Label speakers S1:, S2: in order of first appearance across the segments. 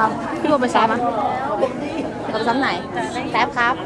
S1: พี่โบไปซ้อมอ่ะเราไปซ้อมไหนแท็บครับ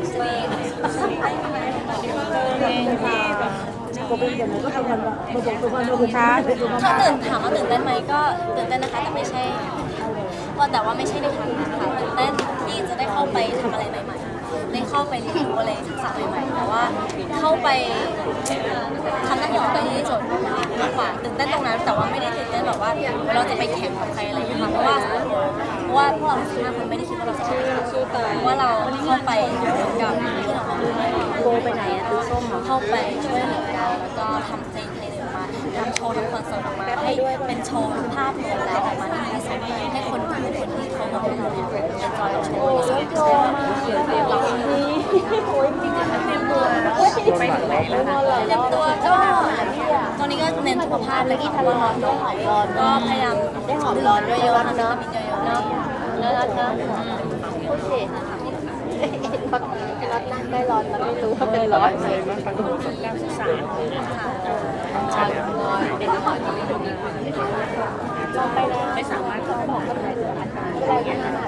S2: ถ้าถามว่าตื่นเต้นไหมก็ตื่นเต้นนะคะแต่ไม่ใช่ว่าไม่ใช่ในทางนั้นค่ะตื่นเต้นที่จะได้เข้าไปทำอะไรใหม่ๆได้เข้าไปเรียนรู้อะไรทักษะใหม่ๆแต่ว่าเข้าไปทำหน้าที่ของตัวเองที่สุดมากกว่าตื่นเต้นตรงนั้นแต่ว่าไม่ได้ตื่นเต้นแบบว่าเราจะไปแข่งกับใครอะไรอย่างเงี้ยค่ะเพราะว่าพวกเรา5 คนไม่ได้คิดว่าเราจะสู้ตายว่าเราเข้าไปกับที่เราโบไปไหนอะตู้ส้มเข้าไปช่วยเหลือกันแล้วก็ทำเพลงออกมาทำโชว์ทำคอนเสิร์ตออกมาให้เป็นโชว์ภาพรวมแล้วออกมาที่ดีสุดให้คนที่เขาบอกให้เราเนี่ยเป็นจอยโชว์ที่สุดเราจริงๆเตรียมตัวไปถึงไหนแล้วคะเตรียมตัวก็ตอนนี้ก็เน้นสุขภาพแล้วที่ทำร้อนก็หอมร้อนก็พยายามได้หอมร้อนเยอะๆนะมีเยอะๆเนาะแล้วโอเครถนั่งได้ร้อนแล้วไม่รู้ว่าเป็นร้อนเลยมันประสบการณ์ศึกษาค่ะเด็กก็ขอที่เราไปแล้วไม่สามารถบอกกับใครเลยอะไรกันนะ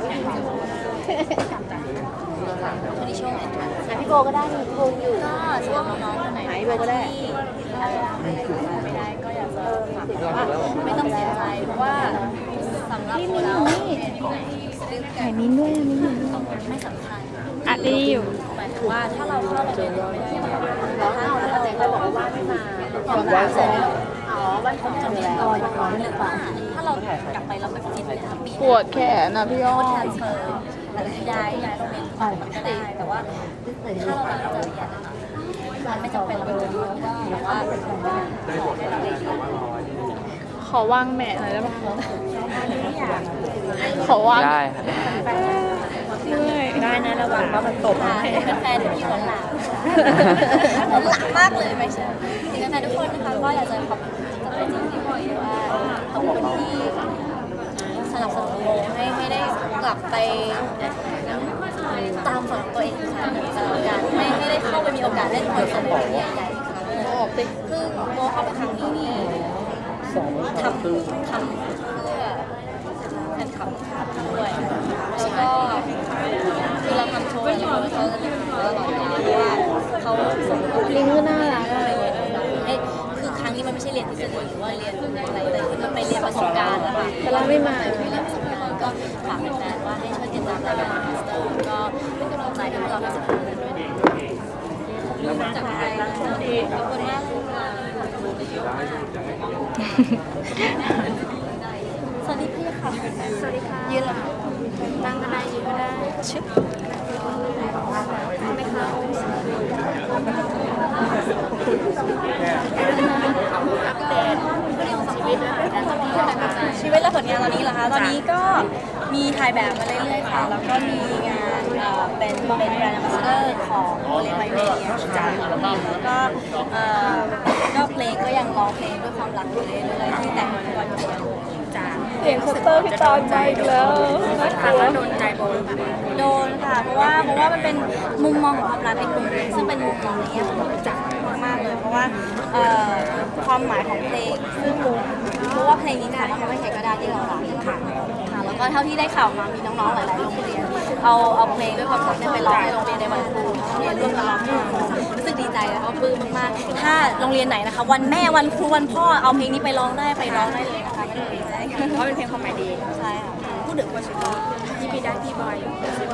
S2: วันนี้ช่วงไหนพี่โบก็ได้พี่โบอยู่ก็ช่วงน้องๆคนไหนพี่โบก็ได้ไม่ได้ก็อยากจะฝากว่าไม่ต้องเสียใจเพราะว่าสำหรับเราถ่ายมิ้นด้วยมิ้นไม่สำคัญ
S1: อัดดีอยู่
S2: หมายถึงว่าถ้าเราเข้าเราเรียนไม่ได้ถ้าเราบอกว่าไม่มาวันเสร็จวันของจะมีรอยร้อนหรือเปล่าถ้าเรากลับไปเราไปกินเลยค่ะ
S1: ปวดแขนนะพี่อ้อ
S2: ทรานสเฟอร์อะไรย้ายโรงเรียนก็ได้แต่ว่าถ้าเราตั้งใจเรียนมันไม่จำเป็นเราจะรู้แต่ว่า
S1: ขอว่างแม่หน่อยได้ไหมขอว่าง
S3: ได้
S1: ได้นะระวังว่ามันตก
S2: เป็นแฟนที่หวานหลามมากเลยไม่ใช่ถึงแฟนทุกคนนะคะก็อยากจะขอบคุณกับจริงที่บอกว่าขอบคุณที่สนับสนุนโมให้ได้กลับไปตามฝันตัวเองค่ะการไม่ได้เข้าไปมีโอกาสเล่นคอนเสิร์ตใหญ่ๆอีกครั้งนึงคือโมเข้าไปครั้งนี้นี่ทำเพื่อแฟนคลับด้วยแล้วก็คือเราทำโชว์อยู่เขาจะอยู่ตลอดเวลาเพราะว่าเขาส่ง
S1: ลิงก็น่ารัก
S2: คือครั้งนี้มันไม่ใช่เรียนทฤษฎีหรือว่าเรียนอะไรเลยมันไปเรียนประสบการณ์นะคะ
S1: แต่เราไม่มา
S2: ไม่เรียนประสบการณ์ก็ฝากแฟนๆว่าให้ช่วยติดตามรายการมาสเตอร์ก็เป็นกำลังใจให้พวกเราทั้ง15 คนด้วยนะจากไทยขอบคุณมากสวัสดีพี่ค่ะสวัสดีค่ะยืนเหรอนั่งก็ได้ยืนก็ได้ชึบไม่ค่ะอัปเดตชีวิตและผลงานตอนนี้เหรอคะตอนนี้ก็มีถ่ายแบบมาเรื่อยๆค่ะแล้วก็มีงานเป็นแบรนด์แอมบาสเดอร์ของโอเลไบเมียจ้าแล้วก็เพลงก็ยังร้องเพลงด้วยความรักอยู่เรื่อยๆที่แต่งทุกวันอยู่จ้า
S1: เสียงคัตเตอร์พี่ตอนใจอีกแล้ว
S2: ฟังแล้วโดนใจโบโดนค่ะเพราะว่ามันเป็นมุมมองของความรักในกลุ่มซึ่งเป็นมุมมองในแง่ของจักมากเลยเพราะว่าความหมายของเพลงซึ่งเพราะว่าเพลงนี้ค่ะทำให้ใครก็ได้ที่เรารักค่ะแล้วก็เท่าที่ได้ข่าวมามีน้องๆหลายๆโรงเรียนเอาเพลงด้วยความรักไปร้องในโรงเรียนในวันครูเรียนร่วมกันร้องรู้สึกดีใจแล้วก็ปลื้มมากๆถ้าโรงเรียนไหนนะคะวันแม่วันครูวันพ่อเอาเพลงนี้ไปร้องได้เลยนะคะก็ดีใจ
S1: เพราะเป็นเพลงความหมายดี
S2: ใช่ค่ะพูดถึงว่าชุดที่พี่ได้พี่บอย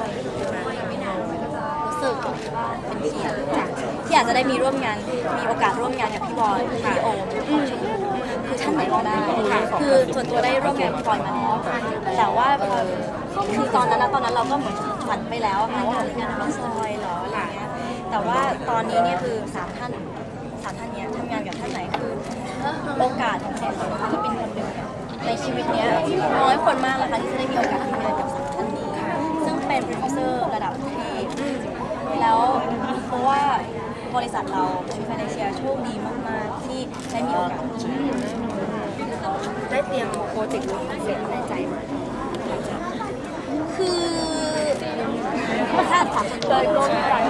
S2: รู้สึกเป็นเกียรติที่อาจจะได้มีโอกาสร่วมงานกับพี่บอยพี่โอมคือท่านไหนก็ได้คือส่วนตัวได้ร่วมงานกับพี่บอยมาแล้วแต่ว่าคือตอนนั้นเราก็เหมือนฝันไปแล้วค่ะว่าจะงานพี่ซอยเหรออะไรเงี้ยแต่ว่าตอนนี้เนี่ยคือ3 ท่านเนี้ยทำงานกับท่านไหนคือโอกาสของเราที่เป็นคนหนึ่งในชีวิตเนี้ยน้อยคนมากเลยค่ะที่จะได้มีโอกาสทำงานกับ3 ท่านนี้ซึ่งเป็นโปรดิวเซอร์ระดับประเทศแล้วเพราะว่าบริษัทเราชูไฟแนนเชียโชคดีมากๆที่ได้มีโอกาส
S1: ได้เตรียมโปรเจกต์เสร็จในใจมา
S2: คือถ้าถามเลยก็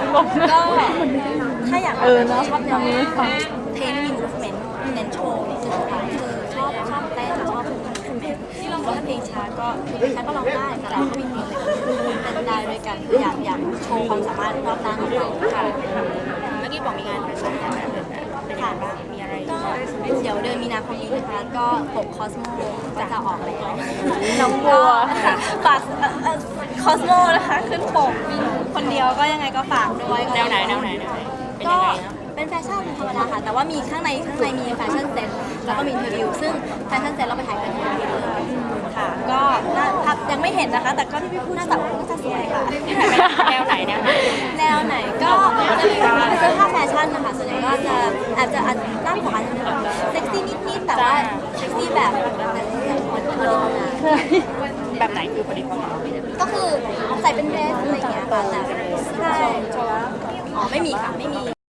S2: ถ้าอยากชอบแนวนี้เพลงมีมูฟเมนต์เน้นโชว์นี่คือชอบเต้นชอบมูฟเมนต์ว่าเพลงช้าก็ร้องได้แต่เราก็มีเพลงเร็วเต้นได้ด้วยกันอยากโชว์ความสามารถรอบด้านของเราค่ะ
S3: เมื่อกี้บอกมีงานแฟชั่นงานเดินแบบเป็นยังไงบ้างมีอะไร
S2: ก็เดี๋ยวเดือนมีนาคมนี้นะคะก็ปกคอสโมก็จะออกแล้วน้องบัวฝากคอสโมนะคะขึ้นปกคนเดียวก็ยังไงก็ฝากด้วย
S3: แนวไหนเป็น
S2: ก็
S3: ยังไงนะ
S2: เป็นแฟชั่นธรรมดาค่ะ แต่ว่ามีข้างในมีแฟชั่นเซ็ตแล้วก็มีอินเทอร์วิวซึ่งแฟชั่นเซ็ตเราไปถ่ายกันที่นี่เลยค่ะ ก็น่ายังไม่เห็นนะคะ แต่ก็ที่พี่พูดน่าจะสวยค่ะ
S3: แนวไหน
S2: แนวไหนก็จะมีเสื้อผ้าแฟชั่นนะคะส่วนใหญ่ก็จะอาจด้านขวาจะเป็นเซ็กซี่นิดๆแต่ว่าเซ็กซี่แบบคนทำงาน
S3: แบบไหนคือพอดีพอดี
S2: ก็คือใส่เป็นเดรสอะไรอย่างเงี้ยค่ะแต่ใช่อ๋อไม่มีค่ะไม่มี